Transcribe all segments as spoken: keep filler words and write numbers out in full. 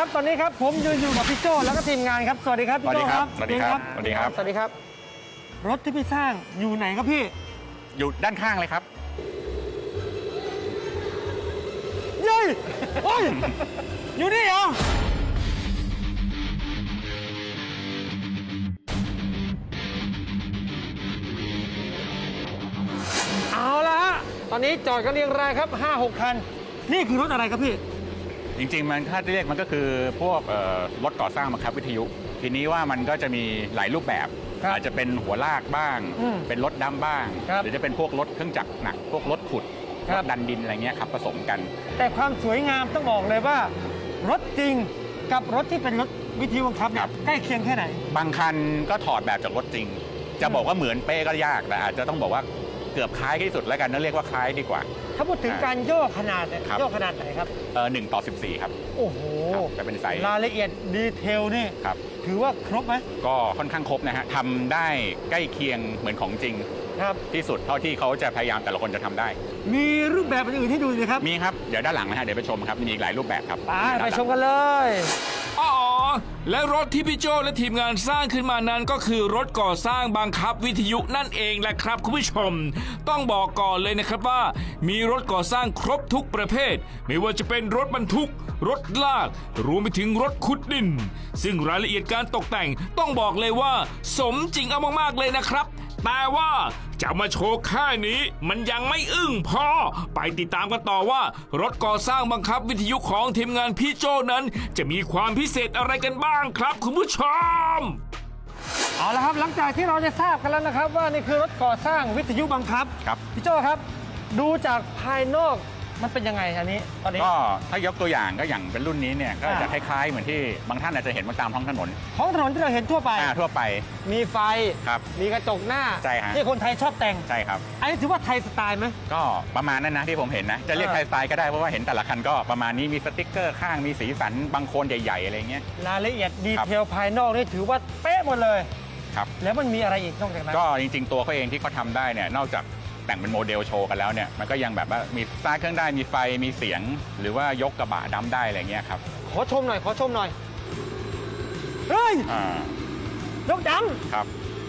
ครับตอนนี้ครับผมยืนอยู่กับพี่โจ้แล้วก็ทีมงานครับสวัสดีครับพี่โจ้ครับสวัสดีครับสวัสดีครับสวัสดีครับรถที่พี่สร้างอยู่ไหนครับพี่อยู่ด้านข้างเลยครับเย้ยโอ้ยอยู่นี่เหรอเอาละฮะตอนนี้จอดกันเรียงรายครับ ห้าหก คันนี่คือรถอะไรครับพี่จริงๆมันถ้าเรียกมันก็คือพวกรถก่อสร้างบังคับวิทยุทีนี้ว่ามันก็จะมีหลายรูปแบบอาจจะเป็นหัวลากบ้างเป็นรถดำบ้างหรือจะเป็นพวกรถเครื่องจักรหนักพวกรถขุดรถดันดินอะไรเงี้ยครับผสมกันแต่ความสวยงามต้องบอกเลยว่ารถจริงกับรถที่เป็นรถวิทยุบังคับเนี่ยใกล้เคียงแค่ไหนบางคันก็ถอดแบบจากรถจริงจะบอกว่าเหมือนเป๊ะก็ยากแต่อาจจะต้องบอกว่าเกือบคล้ายที่สุดแล้วกันนั่นเรียกว่าคล้ายดีกว่าถ้าพูดถึงการย่อขนาดเนี่ยย่อขนาดไหนครับเออหนึ่งต่อสิบสี่ครับโอ้โหจะเป็นไซส์รายละเอียดดีเทลนี่ครับถือว่าครบไหมก็ค่อนข้างครบนะฮะทำได้ใกล้เคียงเหมือนของจริงครับที่สุดเท่าที่เขาจะพยายามแต่ละคนจะทำได้มีรูปแบบอื่นให้ดูไหมครับมีครับเดี๋ยวด้านหลังนะฮะเดี๋ยวไปชมครับมีอีกหลายรูปแบบครับไปไปชมกันเลยอ๋อและรถที่พี่โจและทีมงานสร้างขึ้นมานั้นก็คือรถก่อสร้างบังคับวิทยุนั่นเองแหละครับคุณผู้ชมต้องบอกก่อนเลยนะครับว่ามีรถก่อสร้างครบทุกประเภทไม่ว่าจะเป็นรถบรรทุกรถลากรวมไปถึงรถขุดดินซึ่งรายละเอียดการตกแต่งต้องบอกเลยว่าสมจริงเอามากๆเลยนะครับแต่ว่าจะมาโชว์แค่นี้มันยังไม่อึ้งพอไปติดตามกันต่อว่ารถก่อสร้างบังคับวิทยุของทีมงานพี่โจนั้นจะมีความพิเศษอะไรกันบ้างครับคุณผู้ชมเอาละครับหลังจากที่เราจะทราบกันแล้วนะครับว่านี่คือรถก่อสร้างวิทยุบังคับครับพี่โจครับดูจากภายนอกมันเป็นยังไงอันนี้ตอนนี้ก็ถ้ายกตัวอย่างก็อย่างเป็นรุ่นนี้เนี่ยก็จะคล้ายๆเหมือนที่บางท่านอาจจะเห็นมาตามท้องถนนท้องถนนที่เราเห็นทั่วไปอ่าทั่วไปมีไฟครับมีกระจกหน้าใช่ฮะที่คนไทยชอบแต่งใช่ครับอันนี้ถือว่าไทยสไตล์ไหมก็ประมาณนั้นนะที่ผมเห็นนะจะเรียกไทยสไตล์ก็ได้เพราะว่าเห็นแต่ละคันก็ประมาณนี้มีสติ๊กเกอร์ข้างมีสีสันบางโคนใหญ่ๆอะไรเงี้ยรายละเอียดดีเทลภายนอกนี่ถือว่าเป๊ะหมดเลยครับแล้วมันมีอะไรอีกนอกจากนั้นก็จริงๆตัวเขาเองที่เขาทำได้เนี่ยนอกจากแต่งเป็นโมเดลโชว์กันแล้วเนี่ยมันก็ยังแบบว่ามีสตาร์ทเครื่องได้มีไฟมีเสียงหรือว่ายกกระบะดัมได้อะไรเงี้ยครับขอชมหน่อยขอชมหน่อยเฮ้ยยกดัมครับ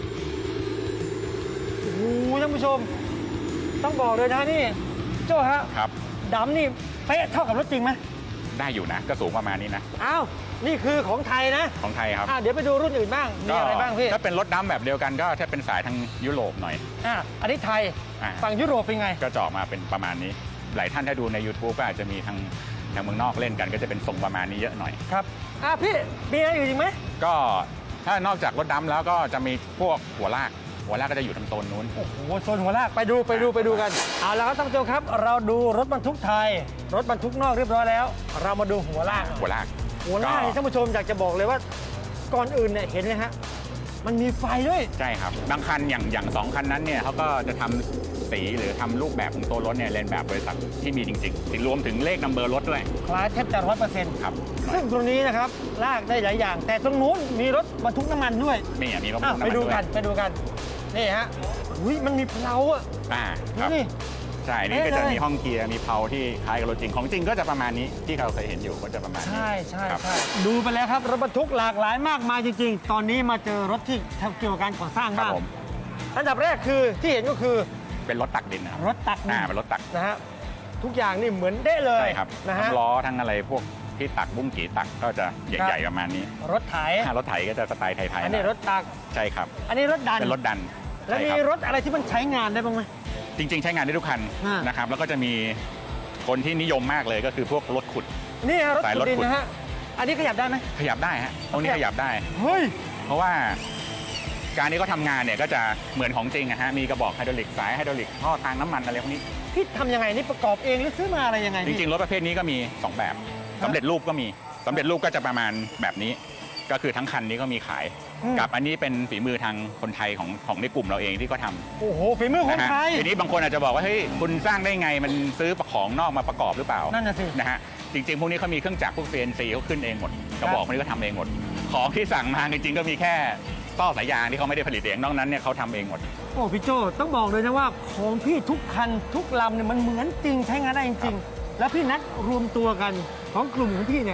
โอ้โหท่านผู้ชมต้องบอกเลยนะนี่โจ้ฮะครับดัมนี่เป๊ะเท่ากับรถจริงไหมได้อยู่นะก็สูงประมาณนี้นะอ้าวนี่คือของไทยนะของไทยครับเดี๋ยวไปดูรุ่นอื่นบ้างมีอะไรบ้างพี่ถ้าเป็นรถดัมแบบเดียวกันก็ถ้าเป็นสายทางยุโรปหน่อยอ่าอันนี้ไทยฝั่งยุโรปเป็นไงก็จะออกมาเป็นประมาณนี้หลายท่านถ้าดูใน YouTube ก็อาจจะมีทางทางเมืองนอกเล่นกันก็จะเป็นทรงประมาณนี้เยอะหน่อยครับอ่าพี่มีอะไรอื่นอีกไหมก็ถ้านอกจากรถดัมแล้วก็จะมีพวกหัวลากหัวลากก็จะอยู่ทางโซนนู้นโอ้โหโซนหัวลากไปดูไปดูไปดูกันเอาละครับท่านผู้ชมครับเราดูรถบรรทุกไทยรถบรรทุกนอกเรียบร้อยแล้วเรามาดูหัวลากหัวลากหัวลากท่านผู้ชมอยากจะบอกเลยว่าก่อนอื่นเนี่ยเห็นไหมฮะมันมีไฟด้วยใช่ครับบางคันอย่างอย่างสองคันนั้นเนี่ยเขาก็จะทำสีหรือทำรูปแบบของตัวรถเนี่ยเลียนแบบบริษัทที่มีจริงๆถึงรวมถึงเลขนัมเบอร์รถด้วยคล้ายแทบจะร้อยเปอร์เซ็นต์ครับซึ่งตรงนี้นะครับลากได้หลายอย่าง แต่ตรงนู้นมีรถบรรทุกน้ำมันด้วยมีมีรถบรรทุกน้ำมันด้วยไปดูกันไปดูกันนี่ฮะอุ้ยมันมีเพลาอ่ะอ่าครับนี่ใช่นี่ก็จะมีห้องเกียร์มีเพลาที่คล้ายกับรถจริงของจริงก็จะประมาณนี้ที่เราเคยเห็นอยู่ก็จะประมาณนี้ใช่ใช่ใช่ดูไปแล้วครับรถบรรทุกหลากหลายมากมายจริงๆตอนนี้มาเจอรถที่ทำเกี่ยวกับการก่อสร้างบ้างอันดับแรกคือที่เห็นก็คือเป็นรถตักดินนะรถตักดินอ่าเป็นรถตักนะฮะทุกอย่างนี่เหมือนเด้เลยใช่ครับนะฮะทั้งล้อทั้งอะไรพวกที่ตักบุ้งกี่ตักก็จะใหญ่ๆประมาณนี้รถไถรถไถก็จะสไตล์ไทยๆอันนี้รถตักใช่ครับอันนี้รถดันเป็นรถดันแล้วมีรถอะไรที่มันใช้งานได้บ้างไหมจริงๆใช้งานได้ทุกคันนะครับแล้วก็จะมีคนที่นิยมมากเลยก็คือพวกรถขุดนี่ฮะรถขุดดินนะฮะอันนี้ขยับได้ไหมขยับได้ฮะตรงนี้ขยับได้เฮ้ยเพราะว่าการนี้ก็ทำงานเนี่ยก็จะเหมือนของจริงนะฮะมีกระบอกไฮดรอลิกสายไฮดรอลิกท่อทางน้ำมันอะไรพวกนี้พี่ทำยังไงนี่ประกอบเองหรือซื้อมาอะไรยังไงจริงๆรถประเภทนี้ก็มีสองแบบสำเร็จรูปก็มีสำเร็จรูปก็จะประมาณแบบนี้ก็คือทั้งคันนี้ก็มีขายกับอันนี้เป็นฝีมือทางคนไทยของของในกลุ่มเราเองที่ก็ทำโอ้โหฝีมือคนไทยทีนี้บางคนอาจจะบอกว่าเฮ้ยคุณสร้างได้ไงมันซื้อของนอกมาประกอบหรือเปล่านั่นน่ะสินะฮะจริงๆพวกนี้เขามีเครื่องจักรพวก ซี เอ็น ซี เขาขึ้นเองหมดกระบอกพวกนี้ก็ทำเองหมดของที่สั่งมาจริงๆก็มีแค่ต่อสายยางที่เขาไม่ได้ผลิตเองนอกนั้นเนี่ยเขาทำเองหมดโอ้พี่โจต้องบอกเลยนะว่าของพี่ทุกคันทุกลำเนี่ยมันเหมือนจริงใช้งานได้จริงๆแล้วพี่นัดรวมตัวกันของกลุ่มของพี่เนี่ย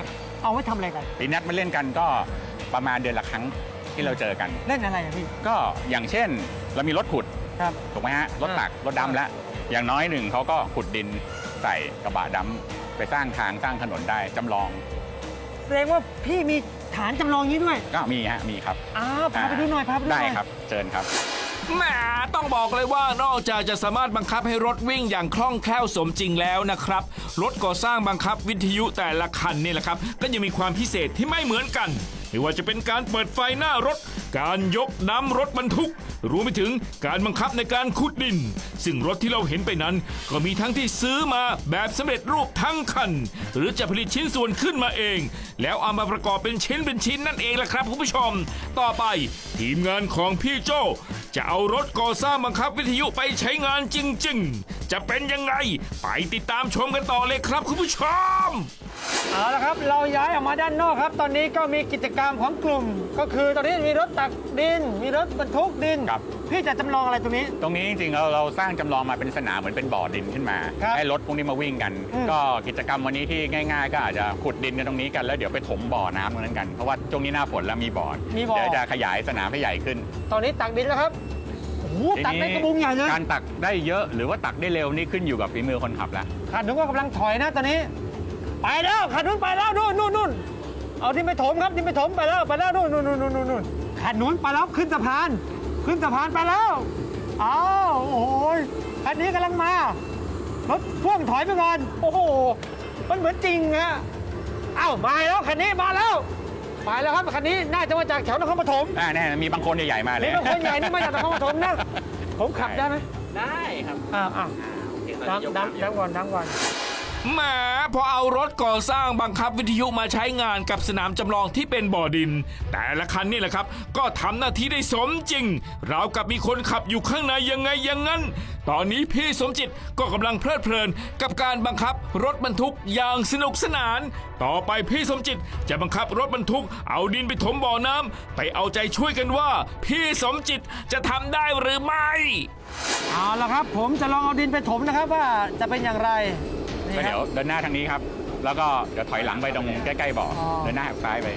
เอาไว้ทำอะไรกันตีนัดมาเล่นกันก็ประมาณเดือนละครั้งที่เราเจอกันเล่นอะไรอะพี่ก็อย่างเช่นเรามีรถขุดครับถูกไหมฮะรถตักอ่ารถดำแล้วอย่างน้อยหนึ่งเขาก็ขุดดินใส่กระบะดำไปสร้างทางสร้างถนนได้จำลองแสดงว่าพี่มีฐานจำลองนี้ด้วยก็มีฮะมีครับอ้าวพาไปดูหน่อยพาไปดูหได้น่อยครับเชิญครับแหมต้องบอกเลยว่านอกจากจะสามารถบังคับให้รถวิ่งอย่างคล่องแคล่วสมจริงแล้วนะครับรถก่อสร้างบังคับวิทยุแต่ละคันนี่แหละครับก็ยังมีความพิเศษที่ไม่เหมือนกันไม่ว่าจะเป็นการเปิดไฟหน้ารถการยกน้ำรถบรรทุกรวมไปถึงการบังคับในการขุดดิน ซึ่งรถที่เราเห็นไปนั้นก็มีทั้งที่ซื้อมาแบบสำเร็จรูปทั้งคัน หรือจะผลิตชิ้นส่วนขึ้นมาเอง แล้วเอามาประกอบเป็นชิ้นเป็นชิ้นนั่นเองล่ะครับคุณผู้ชม ต่อไปทีมงานของพี่โจจะเอารถก่อสร้างบังคับวิทยุไปใช้งานจริงๆ จะเป็นยังไงไปติดตามชมกันต่อเลยครับคุณผู้ชมเอาละครับเราย้ายออกมาด้านนอกครับ ตอนนี้ก็มีกิจกรรมของกลุ่ม ก็คือตอนนี้มีรถตักดิน มีรถบรรทุกดินครับพี่จะจำลองอะไรตรงนี้ตรงนี้จริงๆเราเราสร้างจำลองมาเป็นสนามเหมือนเป็นบ่อดินขึ้นมาครับให้รถพวกนี้มาวิ่งกันอืมก็กิจกรรมวันนี้ที่ง่ายๆ ก็อาจจะขุดดินกันตรงนี้กันแล้วเดี๋ยวไปถมบ่อน้ำตรงนั้นกันเพราะว่าช่วงนี้หน้าฝนแล้วมีบ่อมีบ่อเดี๋ยวจะขยายสนามให้ใหญ่ขึ้นตอนนี้ตักดินแล้วครับโอ้โหตักได้กระบุงใหญ่เลยการตักได้เยอะหรือว่าตักได้เร็วนี่ขึ้นอยู่กับฝีมือคนขับแล้วขันนู้นก็กำลังถอยนะตอนนี้ ไปแล้วขันนู้นไปแล้วนู่นนู่นนู่นเอาที่ไปถมครับที่ไปถมไปแล้วไปแล้วนู่นนู่นนู่นนู่นนู่นขันนู้นไปแล้วขึ้นสะพาน ขึ้นสะพานไปแล้วอ้าวโอ้ยคันนี้กำลังมารถพ่วงถอยไปก่อนโอ้โหมันเหมือนจริงฮะเอ้ามาแล้วคันนี้มาแล้วมาแล้วครับคันนี้น่าจะมาจากแถวนครปฐมอ่าแน่มีบางคนใหญ่ๆมาเลยนี่เป็นคนใหญ่นี่มาจากนครปฐมนะผมขับได้ไหมได้ครับอ้าวอ้าวอ่าดำดำดำก่อนดำก่อนแหมพอเอารถก่อสร้างบังคับวิทยุมาใช้งานกับสนามจำลองที่เป็นบ่อดิน แต่ละคันนี่แหละครับ ก็ทำหน้าที่ได้สมจริงราวกับมีคนขับอยู่ข้างในยังไงอย่างนั้น ตอนนี้พี่สมจิตก็กำลังเพลิดเพลินกับการบังคับรถบรรทุกอย่างสนุกสนาน ต่อไปพี่สมจิตจะบังคับรถบรรทุกเอาดินไปถมบ่อน้ำไปเอาใจช่วยกันว่า พี่สมจิตจะทำได้หรือไม่เอาละครับ ผมจะลองเอาดินไปถมนะครับว่าจะเป็นอย่างไรนี่ก็คเดี๋รัยวบเดินหน้าทางนี้ครับ แล้วก็เดี๋ยวถอยหลังไปตรงใกล้ๆบ่ออ๋อเดินหน้าหักซ้ายไป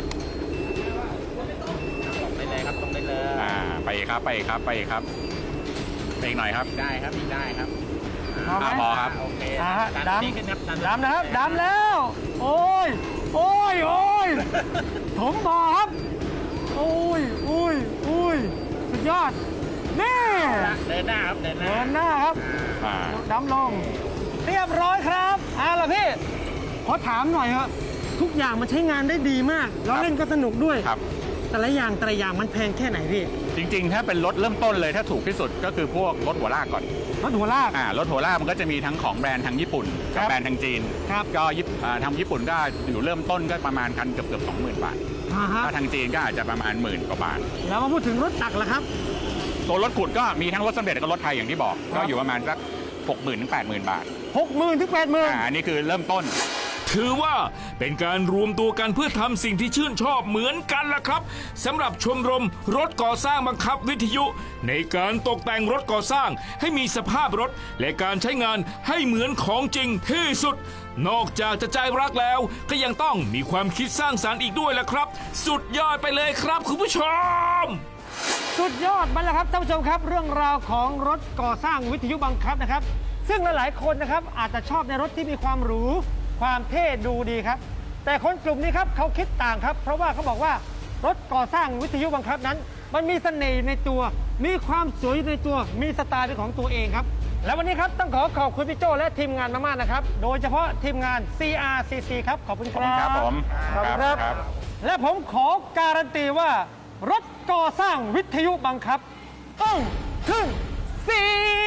ตรงได้เลยครับตรงได้เลยอ่าไปอีกครับไปอีกครับไปอีกครับไปอีกหน่อยครับได้ครับอีกได้ครับพอไหมอ่าพอครับโอเคอ่าฮะดันดนี้ขึ้นครับำดำนะครับดำแล้ว โอ้ยโอ้ยโอ้ยถมบ่อครับโอ้ยโอ้ยโอ้ยสุดยอดนี่เดินหน้าครับเดินหน้าเดินหน้าครับอ่าดำลง เรียบร้อยครับเอาล่ะพี่ขอถามหน่อยครับทุกอย่างมันใช้งานได้ดีมาก แล้วเล่นก็สนุกด้วยครับแต่ละอย่างแต่ละอย่างมันแพงแค่ไหนพี่จริงๆ ถ้าเป็นรถเริ่มต้นเลยถ้าถูกที่สุดก็คือพวกรถหัวลากก่อนรถหัวลากอ่ารถหัวลากมันก็จะมีทั้งของแบรนด์ทางญี่ปุ่นครักับบ แบรนด์ทางจีนครับก็ญี่ปุ่นอ่าทางญี่ปุ่นก็อยู่เริ่มต้นก็ประมาณคันเกือบเกือบสองหมื่นบาทอ่าฮะถ้าทางจีนก็อาจจะประมาณหมื่นกว่าบาทแล้วมาพูดถึงรถตักละครับตัวรถขุดก็มีทั้งรถสำเร็จและก็รถไทยอย่างที่บอกครับก็อยู่ประมาณสักหกหมื่นถึงแปดหมื่นบาทหกหมื่นถึงแปดหมื่นอ่าอันนี้คือเริ่มต้นถือว่าเป็นการรวมตัวกันเพื่อทำสิ่งที่ชื่นชอบเหมือนกันล่ะครับสำหรับชมรมรถก่อสร้างบังคับวิทยุ ในการตกแต่งรถก่อสร้างให้มีสภาพรถ และการใช้งานให้เหมือนของจริงที่สุด นอกจากจะใจรักแล้วก็ยังต้องมีความคิดสร้างสรรค์อีกด้วยล่ะครับ สุดยอดไปเลยครับคุณผู้ชมสุดยอดมาแล้วครับท่านผู้ชมครับ เรื่องราวของรถก่อสร้างวิทยุบังคับนะครับ ซึ่งหลายๆคนนะครับอาจจะชอบในรถที่มีความหรูความเท่ดูดีครับ แต่คนกลุ่มนี้ครับเขาคิดต่างครับ เพราะว่าเขาบอกว่ารถก่อสร้างวิทยุบังคับนั้น มันมีเสน่ห์ในตัว มีความสวยในตัวมีสไตล์เป็นของตัวเองครับ และวันนี้ครับต้องขอขอบคุณพี่โจและทีมงานมากๆนะครับ โดยเฉพาะทีมงาน ซี อาร์ ซี ซี ครับขอบคุณคขอบรัคุณครับ บผมขอบคุณครับครับและผมขอการันตีว่า รถก่อสร้างวิทยุบังคับ ต้องถึงสี